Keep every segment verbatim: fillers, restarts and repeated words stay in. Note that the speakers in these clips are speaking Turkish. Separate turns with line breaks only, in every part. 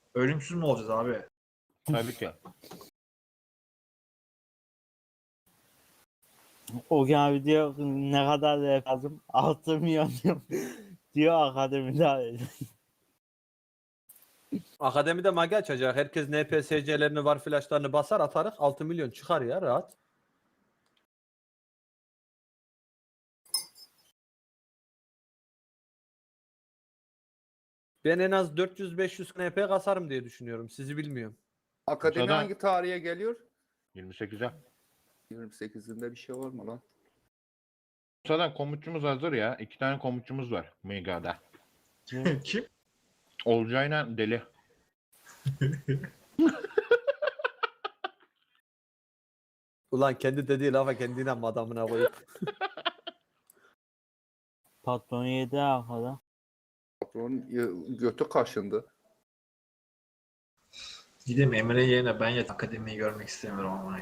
Ölümsüz mü olacağız abi?
Tabii ki.
O gün abi diyor ne kadar da lazım? altı milyon diyor. diyor akademide.
Akademide magi açacak. Herkes N P S C'lerini var flashlarını basar atarız. altı milyon çıkar ya rahat. Ben en az dört yüz beş yüz N P kasarım diye düşünüyorum. Sizi bilmiyorum.
Akademi
Bursa'da-
hangi tarihe geliyor?
yirmi sekize.
yirmi sekizinde bir şey var mı lan?
Bursa'dan komutçumuz hazır ya. İki tane komutçumuz var Mega'da.
Kim?
Olcay'la Deli.
Ulan kendi dediği lafa kendine mi adamına koyup.
Patron yedi arkada.
Patronun y- götü kaşındı.
Gideyim Emre yerine ben yat akademiyi görmek istemiyorum ama.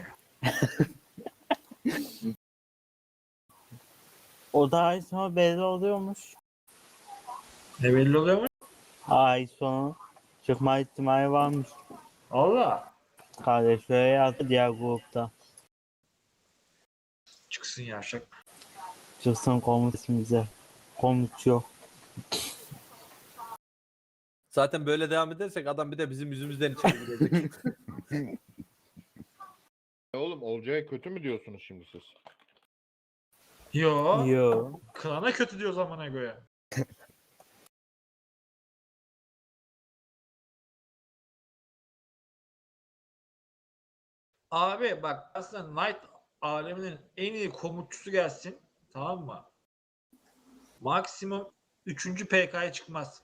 O da ay sonu belli oluyormuş.
Ne belli oluyor mu?
Ay sonu çıkma ihtimali varmış.
Allah.
Kardeş böyle yazdı diğer grupta.
Çıksın yavşak.
Çıksın komut ismimize. Komut yok.
Zaten böyle devam edersek adam bir de bizim yüzümüzden içeri girecek.
Oğlum Olcay'a kötü mü diyorsunuz şimdi siz?
Yo.
Yo.
Klana kötü diyor zamana göre. Abi bak aslında Knight aleminin en iyi komutçusu gelsin. Tamam mı? Maksimum üçüncü P K'ya çıkmaz.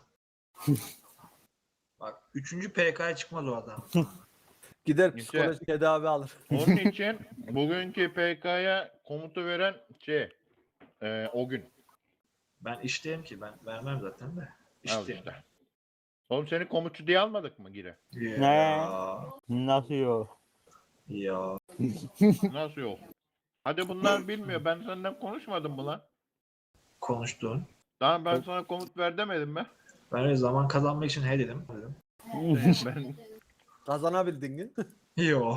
Bak üçüncü P K'ya çıkmaz o adam.
Gider
İşte-
psikolojik tedavi alır.
Onun için bugünkü P K'ya komutu veren şey e, o gün.
Ben işteyim ki ben vermem zaten de.
Al
İşteyim.
işte. Oğlum seni komutçu diye almadık mı gire?
Ya.
Nasıl yok?
Ya.
Nasıl yok? Hadi bunlar bilmiyor. Ben senden konuşmadım mı lan?
Konuştun.
Tamam ben sana komut ver demedim mi?
Ben öyle zaman kazanmak için he dedim. dedim.
ben
Kazanabildin mi?
Yo.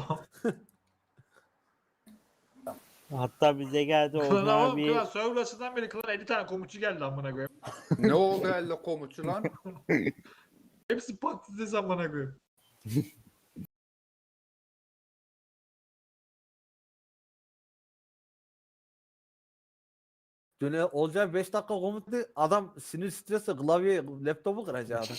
Hatta bize geldi
Klan
Ozan
oğlum
abi.
klan server açısından beri klan elli tane komutçu geldi amına koyayım.
Ne oldu elle komutçu lan?
Hepsi patates amına koyayım.
Dün olacak beş dakika komutlu adam sinir stresi klavye laptopu kıracak adam.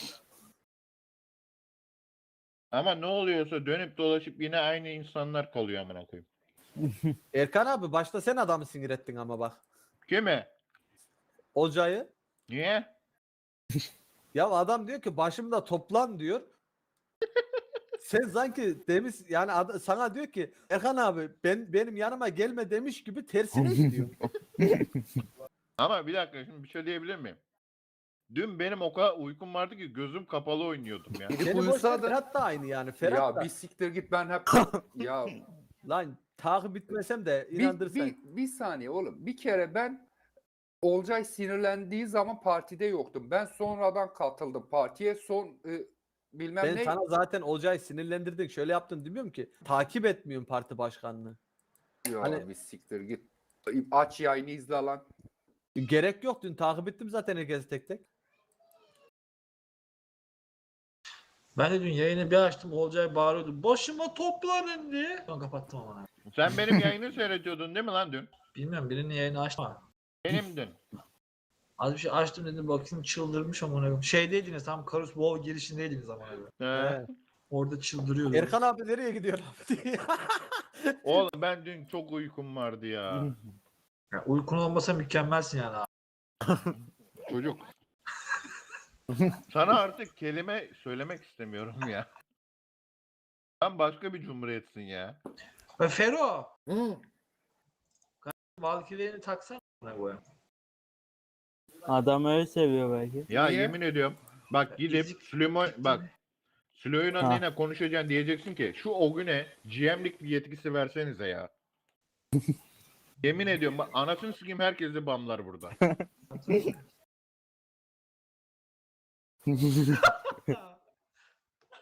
ama ne oluyorsa dönüp dolaşıp yine aynı insanlar kalıyor amına koyayım.
Erkan abi başta sen adamı sinir ettin ama bak.
Kimi?
Olcay'ı.
Niye?
Ya adam diyor ki başımda toplan diyor. Sen sanki demiş yani ad- sana diyor ki Erkan abi ben benim yanıma gelme demiş gibi tersine gidiyor.
Ama bir dakika şimdi bir şey diyebilir miyim? Dün benim o kadar uykum vardı ki gözüm kapalı oynuyordum ya.
Gidip
Seni boş ver,
uyusa da
Ferhat da aynı yani. Ferhat
ya
da.
bir siktir git ben hep ya
Lan takip bitmesem de
bir,
inandırsan.
bir, bir saniye oğlum. Bir kere ben Olcay sinirlendiği zaman partide yoktum. Ben sonradan katıldım partiye. Son e, bilmem
Ben
ne.
sana zaten Olcay'ı sinirlendirdin. Şöyle yaptın demiyorum ki. Takip etmiyorum parti başkanını.
Ya
Hani-
bir siktir git. Aç yayını izle lan.
Gerek yok dün takip ettim zaten herkesi tek tek.
Ben de dün yayını bir açtım Olcay bağırıyordu. Başıma toplanın diye. Ben kapattım ama.
Sen benim yayını seyrediyordun değil mi lan dün?
Bilmiyorum birinin yayını açma.
Benim dün.
Az bir şey açtım dedim bakayım çıldırmış amına koyayım. Şeydeydiniz tam Karus Bow girişindeydiniz amına koyayım.
He.
Orada çıldırıyordu.
Erkan abi nereye gidiyor abi diye.
Oğlum ben dün çok uykum vardı ya.
Ya, uykun olmasa mükemmelsin yani abi.
Çocuk. Sana artık kelime söylemek istemiyorum ya. Sen başka bir cumhuriyetsin ya.
Ve Fero. Valkyrie'ni taksana amına koyayım.
Adam öyle seviyor belki.
Ya
Niye?
yemin ediyorum. Bak gidip
Ezik-
Süleyman bak Süleyman'la
Ha.
neyle konuşacaksın diyeceksin ki şu o güne G M'lik bir yetkisi versenize ya. Yemin ediyorum bak anasını sikeyim herkesi bamlar burada.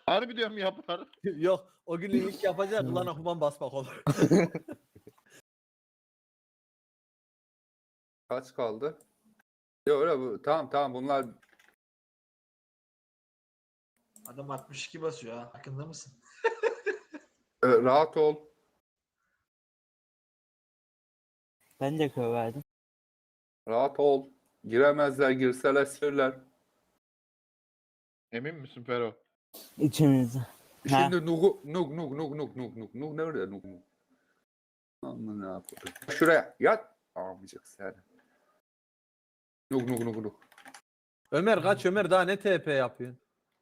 Harbi diyorum yapar.
Yok o gün ilk yapacağı klan okuman basmak olur.
Kaç kaldı? Yok öyle bu. Tamam tamam bunlar
Adam altmış iki basıyor ha. Farkında mısın?
e, rahat ol.
Ben de köy verdim.
Rahat ol. Giremezler, girseler sürler.
Emin misin Fero?
İçimizde. Ha.
Şimdi Nug'u Nug Nug Nug Nug Nug Nug Nug nerede Nug Nug? Aman ne yapayım? Şuraya yat. Almayacak sen. Nug Nug Nug Nug.
Ömer kaç Ömer daha ne T P yapıyorsun?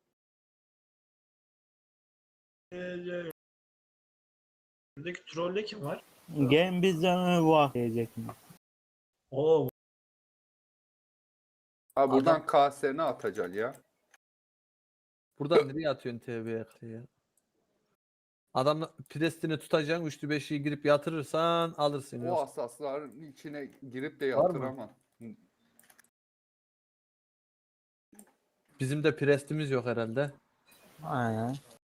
Buradaki trolle kim var?
Gelin bizden öyle bu diyecek mi?
Oo,
Ha buradan K S'ni atacaksın ya.
Buradan nereye atıyorsun T V'ye ya? Adam prestini tutacaksın üçlü beşliği girip yatırırsan alırsın.
O
Yoksa-
asasların içine girip de
Var mı?
yatıramam.
Bizim de prestimiz yok herhalde.
Aynen.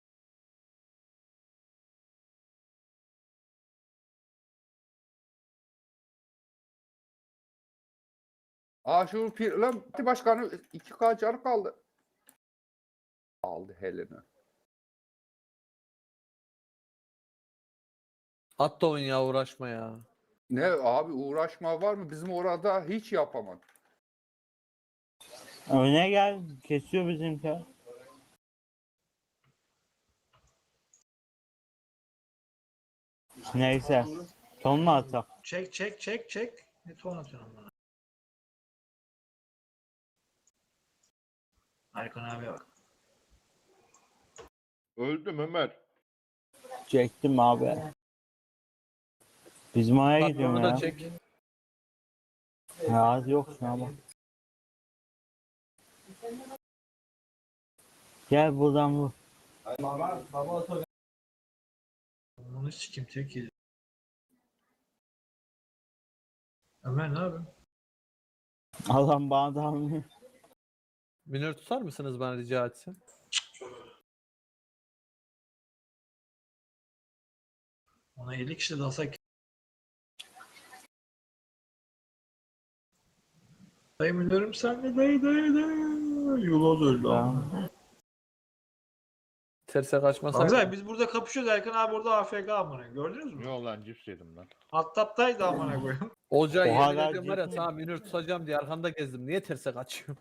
Aa şu pir lan parti başkanı iki K canı kaldı. Aldı Helen'i.
At da oyun ya uğraşma ya.
Ne abi uğraşma var mı? Bizim orada hiç yapamam.
Öne gel. Kesiyor bizimki. Neyse. Son mu atak?
çek çek çek çek. Ne ton atıyorsun bana? Erkan abi bak.
Öldüm Ömer.
Çektim abi. Bizim oraya
Bak
gidiyorum
onu da
ya.
çek.
Ya yok şuna bak. Gel buradan vur.
Bunu sikim tek yedi. Ömer ne yapıyorsun?
Adam bana da almıyor.
Minör tutar mısınız bana rica etsem?
Ona elli kişi dalsak. Dayı müdürüm sen de dayı dayı dayı. Yula da öldü ama.
Tamam.
Terse kaçmasak.
Güzel biz burada kapışıyoruz. Erkan abi orada A F K amına. Gördünüz mü?
Yo lan cips yedim lan.
Alt taptaydı amına koyayım.
Olcay
O
yemin
hala
ediyorum var ya
ciddi.
sana minör tutacağım diye arkanda gezdim. Niye terse kaçıyorum?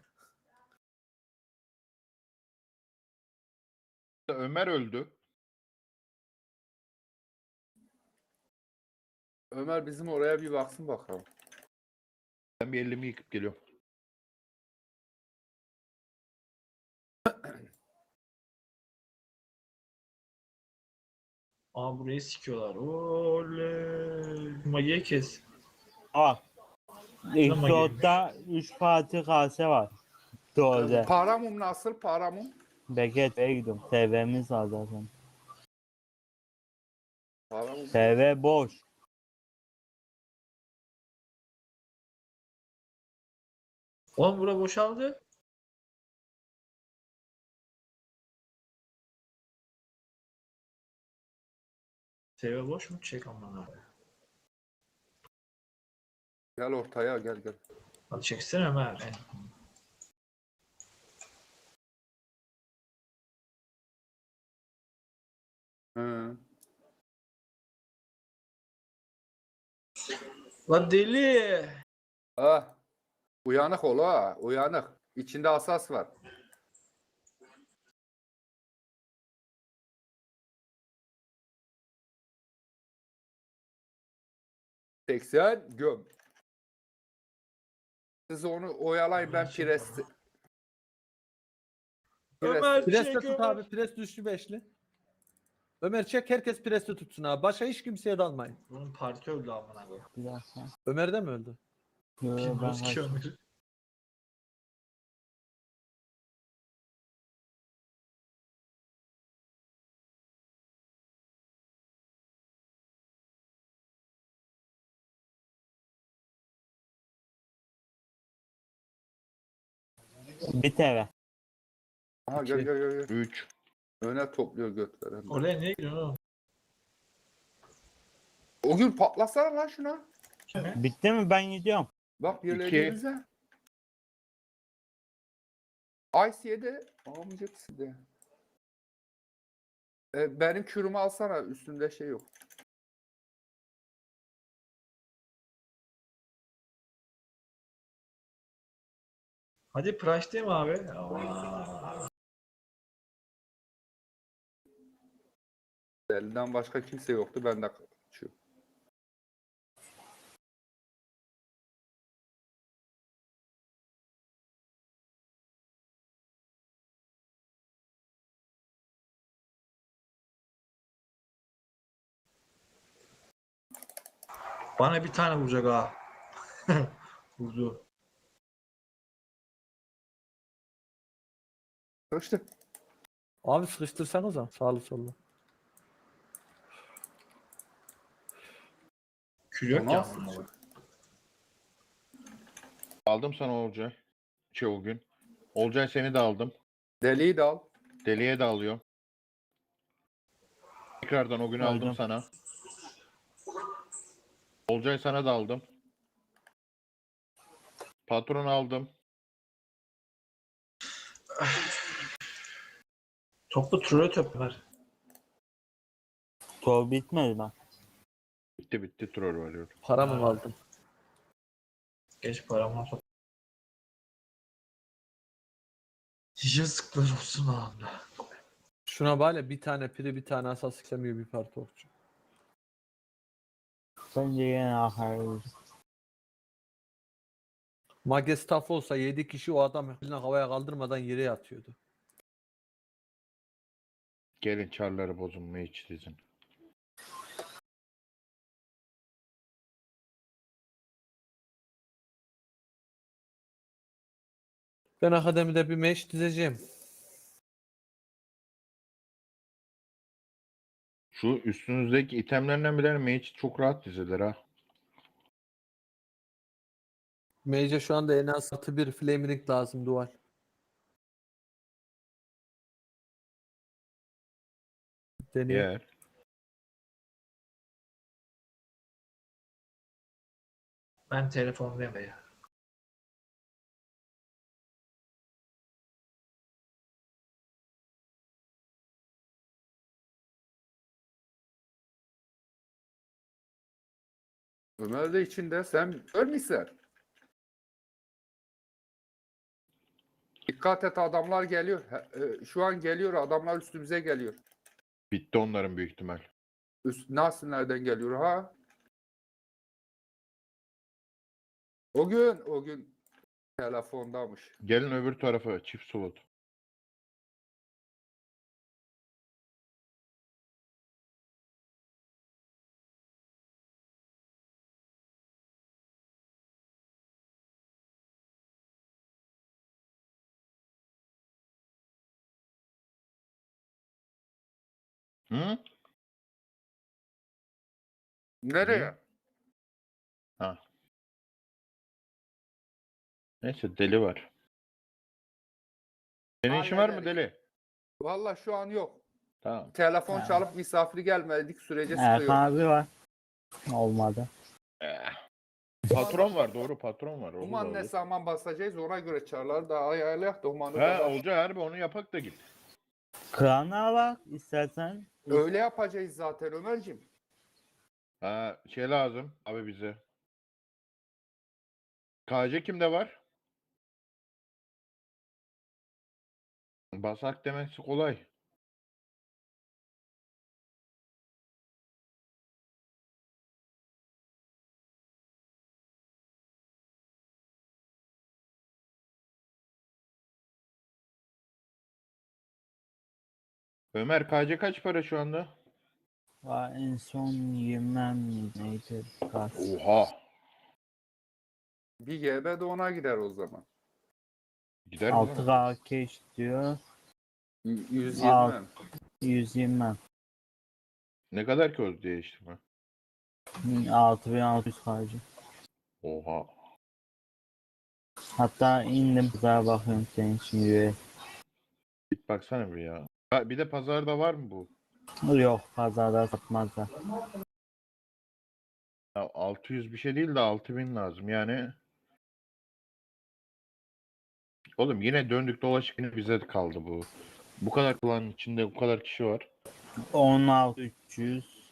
Ömer öldü.
Ömer bizim oraya bir baksın bakalım.
Ben bir elimi yıkıp geliyorum.
Aa burayı sikiyorlar. Oley. Magiye kes.
Bak. İlk
Tamam,
soğukta üç parti kase var. Doğru.
Paramum nasıl paramum?
Beket Bey'e gidiyorum. T V'miz var zaten.
Paramum.
T V boş.
Oğlum bura boşaldı. T V boş mu? Çek aman abi.
Gel ortaya gel gel.
Hadi çeksene Ömer. Eh.
Hı.
Lan deli.
Ah. Uyanık ol ha. Uyanık. İçinde asas var. seksen göm. Siz onu oyalayın ben pres.
Ömer
Preste
çek
tut
Ömer.
abi. Pres üçlü beşli. Ömer çek herkes preste tutsun abi. Başka hiç kimseye dalmayın.
Bunun parti öldü amına koyayım.
Bir dakika.
Ömer de mi öldü?
Yo, ben
Bilmiyoruz ki
kaç-
Ömer'i.
Bir T V.
Aha gel gel gel. gel.
üç.
Öne topluyor götleri.
Oraya niye gidiyorsun oğlum?
O gün patlasana lan şuna.
Bitti mi? Ben gidiyorum.
Bak
İki.
yerlerinize. Ice yedi. Almayacaksın de. E, benim kürümü alsana. Üstünde şey yok.
Hadi Price değil mi abi? Aa.
Elinden başka kimse yoktu. Ben de kaçıyorum.
Bana bir tane vuracak ha. Vurdu.
İşte
Abi sıkıştırsanıza sağlı sollu.
Kül yok ya.
nasıl?
aslında.
Aldım sana Olcay. Şey o gün. Olcay seni de aldım.
Deliği de al.
Deliye de alıyorum. Tekrardan o gün aldım
Aldım.
sana. Olcay sana da aldım. Patron aldım.
Toplu troll top var.
Tuğ bitmedi lan.
Bitti bitti troll varıyor.
Para mı
Ha.
kaldı?
Geç paramı top. Yazıklar olsun abi.
Şuna böyle bir tane piri bir tane asas istemiyor bir parti okçu.
Bence yine akarız.
Magestaf olsa yedi kişi o adam eline havaya kaldırmadan yere yatıyordu.
Gelin çarları bozulmayı hiç dizin.
Ben akademide bir meş dizeceğim.
Şu üstünüzdeki itemlerden biri mage çok rahat dizilir ha.
Mage'e şu anda en az atı bir flame ring lazım dual. Deniyor.
Yer.
Ben telefondayım be ya.
Ömer de içinde. Sen ölmüşsün. Dikkat et adamlar geliyor. He- e, Şu an geliyor adamlar üstümüze geliyor.
Bitti onların büyük ihtimal.
Üst, nasıl nereden geliyor ha? O gün o gün telefondamış.
Gelin öbür tarafa çift slot. Hı?
Nereye?
Ha. Neyse deli var. Senin işin var mı
Hallederiz.
deli?
Valla şu an yok.
Tamam.
Telefon
Ha.
çalıp misafir gelmedik sürece
Erkan
sıkıyor.
abi var. Olmadı.
Eh. Patron var doğru patron var. Olur,
Uman ne
olur.
zaman basacağız ona göre çarlar da ayarlayak da umanı
Ha
da
Olcay harbi onu yapak da git.
Krana bak istersen.
öyle yapacağız zaten Ömerciğim.
Ha şey lazım abi bize. K C kimde var? Basak demesi kolay. Ömer K C kaç para şu anda?
Var en son yemem neydi? Kas.
Oha.
Bir G B de ona gider o zaman.
Gider mi?
altı
lan?
K keş diyor.
Y- yüz yirmi.
Al. yüz yirmi.
Ne kadar ki o değiştirme?
altı bin altı yüz harcı.
Oha.
Hatta indim güzel bakıyorum senin için üye.
Git baksana bir ya. Ha, bir de pazarda var mı bu?
Yok pazarda satmazlar.
Ya altı yüz bir şey değil de altı bin lazım. Yani oğlum yine döndük dolaşık yine bize kaldı bu. Bu kadar klanın içinde bu kadar kişi var.
on altı üç yüz.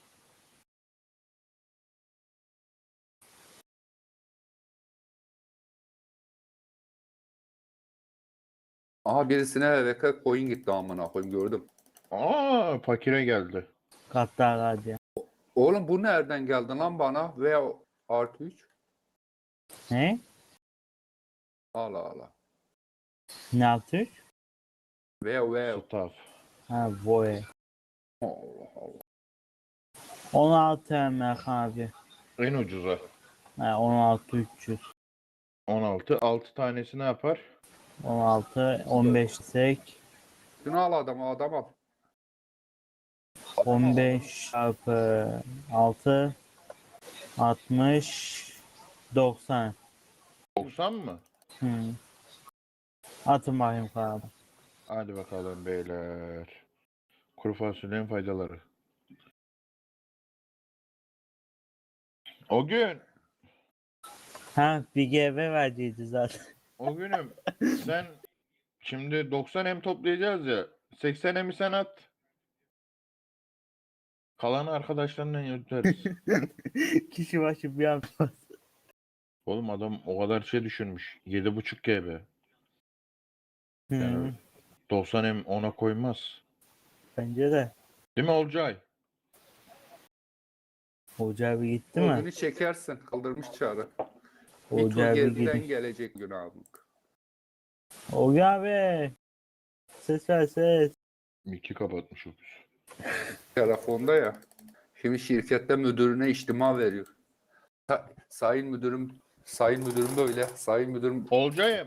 Aha birisine V K coin gitti amına koyayım gördüm.
Aa fakire geldi.
Katlar hadi.
Oğlum bu nereden geldi lan bana? V artı üç.
Ne?
Allah Allah.
Ne yaptık?
V V.
Staff.
Ha boy.
Allah Allah.
on altı Erkan abi.
En ucuza.
Ha, on altı üç yüz.
on altı. altı tanesi ne yapar?
on altı on beş sek.
Şunu al adam adam al.
on beş çarpı altı altmış doksan.
doksan mı?
Hı. Atın bakayım kağıdı.
Hadi bakalım beyler. Kuru fasulyenin faydaları. O gün,
Ha bir G B verdiydi zaten.
o günüm sen şimdi doksan em toplayacağız ya. seksen emi sen at. Kalanı arkadaşlarla yürüteriz.
Kişi başı bir yapmaz.
Oğlum adam o kadar şey düşünmüş. yedi buçuk G B.
Hı.
Yani doksan em ona koymaz.
Bence de.
Değil mi Olcay?
Hoca abi gitti
O
mi?
günü çekersin. Kaldırmış çağrı. Bir
Hoca
tur
abi
geriden
gitti.
gelecek gün abi.
Hoca abi. Ses ver ses.
Miki kapatmış o kız.
Telefonda ya. Şimdi şirkette müdürüne içtima veriyor. Sa- sayın müdürüm, sayın müdürüm böyle, sayın müdürüm.
Olcay'ım.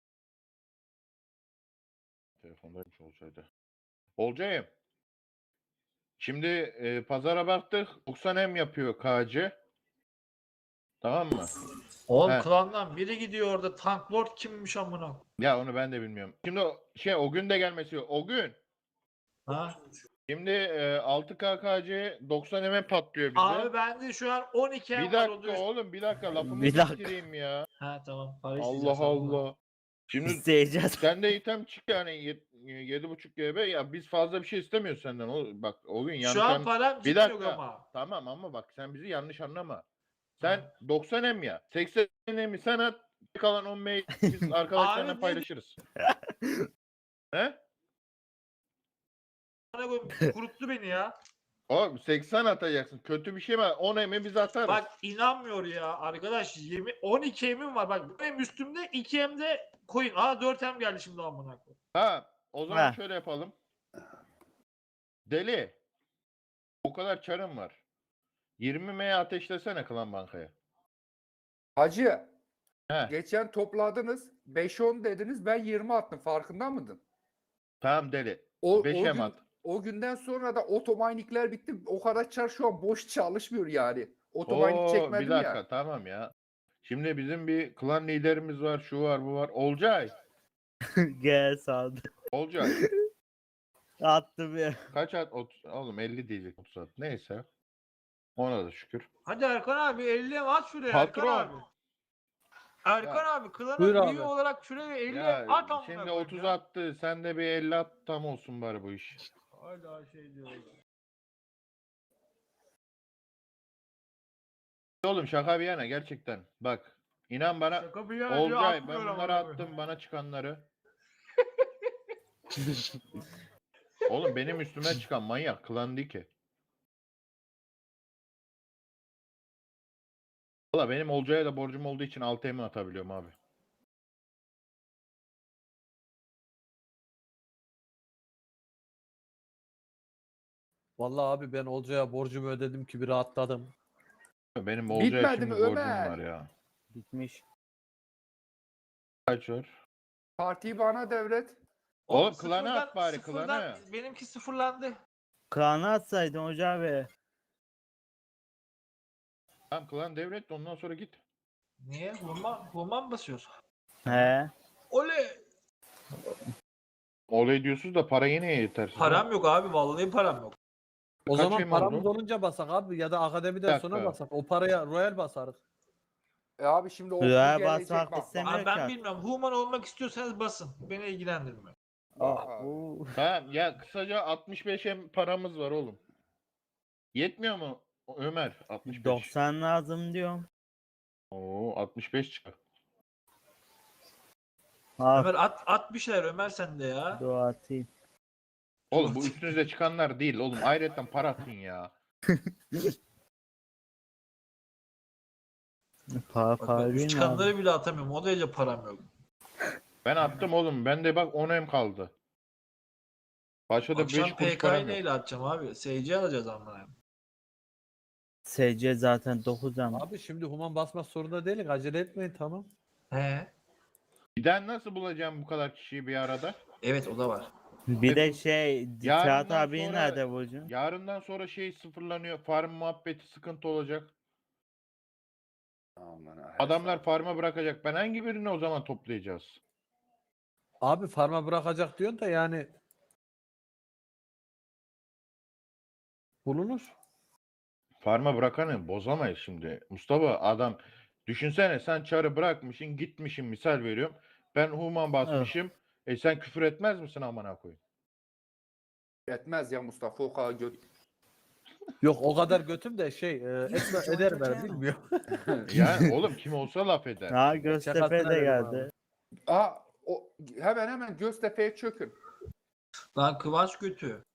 Telefondaymış Olcay'da. Olcay'ım. Şimdi e, pazara baktık. doksan em yapıyor K C. Tamam mı?
Oğlum
He.
klandan biri gidiyor orada. Tank Lord kimmiş amına?
Ya onu ben de bilmiyorum. Şimdi o, şey o gün de gelmesi yok. O gün.
Ha?
Şimdi e, altı K K C doksan eme patlıyor bize.
Abi bende şu an on iki em
Bir
var.
dakika
o da-
oğlum bir dakika lafımı
Bir dakika.
bitireyim ya.
Ha tamam. Para
Allah
isteyeceğiz, tamam mı?
Allah. Şimdi
İsteyeceğiz.
sende item çık yani yedi buçuk G B ya biz fazla bir şey istemiyoruz senden. O, bak o gün yanlış
Şu an
an-
param
Bir
cidden yok
dakika.
ama.
Tamam ama bak sen bizi yanlış anlama. Sen doksan em ya. seksen emi sen at. Kalan on M'yi biz arkadaşlarla
Abi ne-
paylaşırız. He?
Bana koyayım, kuruttu beni ya.
O seksen atacaksın. Kötü bir şey mi? on emi biz atarız.
Bak inanmıyor ya arkadaş. Yemin, on iki emim var. Bak benim üstümde iki emde coin. Aa dört em geldi şimdi amına koyayım.
Ha, o zaman
Ha.
şöyle yapalım. Deli. O kadar çarım var. yirmi M'ye ateşlesene Klan Banka'ya.
Hacı,
He.
geçen topladınız, beş on dediniz, ben yirmi attım, farkında mıydın?
Tamam deli.
O, o,
beşe
gün,
at.
o günden sonra da otomanikler bitti, o kadar çar şu an boş çalışmıyor yani. Otomanik
Oo,
çekmedim
bir dakika
ya.
tamam ya. Şimdi bizim bir klan liderimiz var, şu var, bu var. Olcay.
Gel saldı.
Olcay.
Attım ya.
Kaç at? Ot- Oğlum elli diyecek otuz at. Neyse. Ona da şükür.
Hadi Erkan abi elli em at şuraya
Patron.
Erkan abi. Erkan abi klana
Buyur
üye
abi.
olarak şuraya elli
Ya
em at amına
şimdi
koyayım
otuz
ya.
attı. Sen de bir elli at tam olsun bari bu iş.
Hala şey diyor.
Oğlum şaka bir yana gerçekten. Bak inan bana.
Şaka bir yana diyor,
Olcay ben
atmıyor
bunları
amına koyayım.
attım bana çıkanları. Oğlum benim üstüme çıkan manyak klan değil ki. Valla benim Olcay'a da borcum olduğu için altı emi atabiliyorum abi.
Vallahi abi ben Olcay'a borcumu ödedim ki bir rahatladım.
Benim Olcay'a
Bitmedi
şimdi
mi
borcum
Ömer?
var ya.
Bitmiş.
Kaç var?
Partiyi bana devret.
Oğlum klanı
sıfırdan-
at bari,
sıfırdan
klanı.
Benimki sıfırlandı.
Kaan'ı atsaydın hoca abi.
Tamam klan devret de ondan sonra git.
Niye? Hurma, hurma mı basıyoruz?
He.
Oley!
Olay diyorsunuz da para yine yetersiz.
Param yok abi vallahi param yok.
O
Kaç
zaman
em
paramız
oldu?
olunca basak abi ya da akademiden
Bir dakika.
sonra basak. O paraya Royal basarız.
E abi şimdi o
Ya
bu gelecek
basmak
bak. bak.
istemiyorum.
Abi ben
Amerika.
bilmiyorum. Human olmak istiyorsanız basın. Beni ilgilendirmiyor.
Aa, bu-
Ha, ya kısaca altmış beş em paramız var oğlum. Yetmiyor mu Ömer? altmış beş.
doksan lazım diyorum.
Oo altmış beş çıkar.
Ha,
Ömer at, at bir şeyler Ömer sen de ya.
dua atayım.
Oğlum bu üstünüze çıkanlar değil oğlum. Ayrıca para atın ya.
Para
Bak, ben
para
üst
değil mi abi?
çıkanları bile atamıyorum. O derece param yok.
Ben attım oğlum. Bende bak on em kaldı. Başka da beş
Akşam
kuruş
P K'yı
param yok.
neyle atacağım abi? S C alacağız amına.
S C zaten dokuz ama.
Abi şimdi human basmak zorunda değilik. Acele etmeyin tamam.
He.
Bir daha nasıl bulacağım bu kadar kişiyi bir arada?
Evet o da var.
Bir de şey Fırat
Yarından
abi
sonra-
nerede Burcu?
Yarından sonra şey sıfırlanıyor. Farm muhabbeti sıkıntı olacak.
Aman ha,
Adamlar farma bırakacak. Ben hangi birini o zaman toplayacağız?
Abi farma bırakacak diyorsun da yani bulunur.
Farma bırakanı bozamayız şimdi. Mustafa adam düşünsene sen çarı bırakmışsın gitmişsin misal veriyorum. Ben human basmışım. E sen küfür etmez misin amına koyayım?
Etmez ya Mustafa o kadar göt.
Yok o kadar götüm de şey e, etme, eder ben bilmiyorum.
Ya oğlum kim olsa laf eder.
Ha Göztepe
Şakasına
de
dedim
geldi.
Aa o hemen hemen Göztepe'ye çökün.
Lan Kıvanç kötü.